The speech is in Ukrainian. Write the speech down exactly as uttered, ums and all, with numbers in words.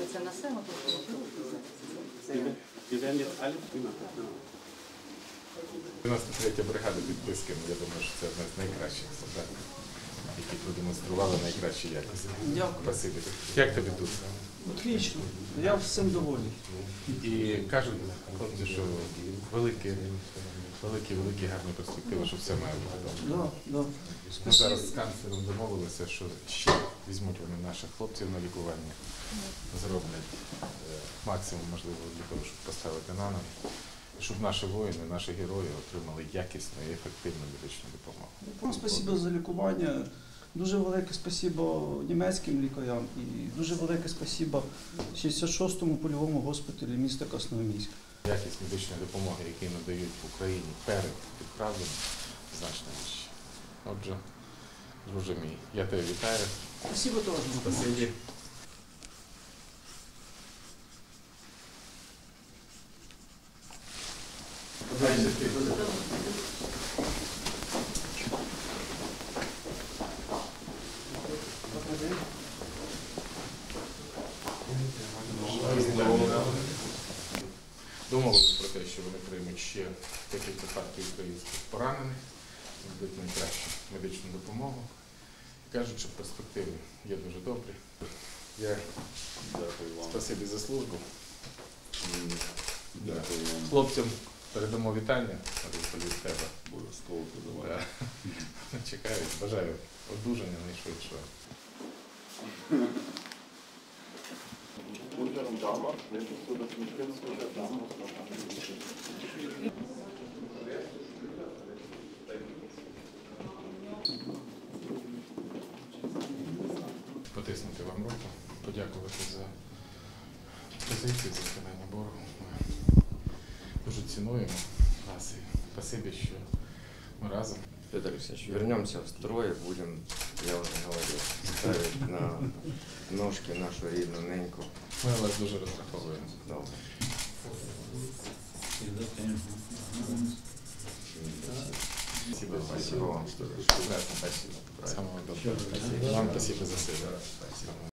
робиться на село, дев'яносто третя бригада під Писком, я думаю, що це одна з найкращих солдатів, які продемонстрували найкращі якості. Дякую. Спасибі. Як тобі тут? Отлично. Я всім доволі. І кажуть хлопці, що великі, великі, великі гарні перспективи, що все має бути добре. Да, да. Ми зараз з канцлером домовилися, що ще візьмуть вони наших хлопців на лікування, зроблять е, максимум можливо для того, щоб поставити на ноги, щоб наші воїни, наші герої отримали якісну і ефективну медичну допомогу. Вам спасибо за лікування. Дуже велике спасибо німецьким лікарям і дуже велике спасибо шістдесят шостому польовому госпіталі міста Красноармійська. Якість медичної допомоги, які надають в Україні перед відправленням, значно вища. Отже, друже мій, я тебе вітаю. Спасибо теж. Спасибі. Домовилися про те, що вони приймуть ще декілька партій українських поранених, дадуть найкращу медичну допомогу. Кажуть, що перспективи є дуже добрі. Я дякую вам. Спасибі за службу. Дякую вам. Хлопцям передамо вітання від тебе. Обов'язково подавати. Чекають, бажаю одужання найшвидшого. Потиснути вам руку, подякувати за позицію, за виконання боргу. Ми дуже цінуємо вас і спасибі, що ми разом. Петр Алексеевич, вернемся в строй, будем, я уже говорил, ставить на ножки нашу рідну неньку. Ми на вас дуже розраховуємо. Добре. Спасибо, Спасибо вам. Прекрасно, спасибо. Самого доброго. Вам спасибо за все.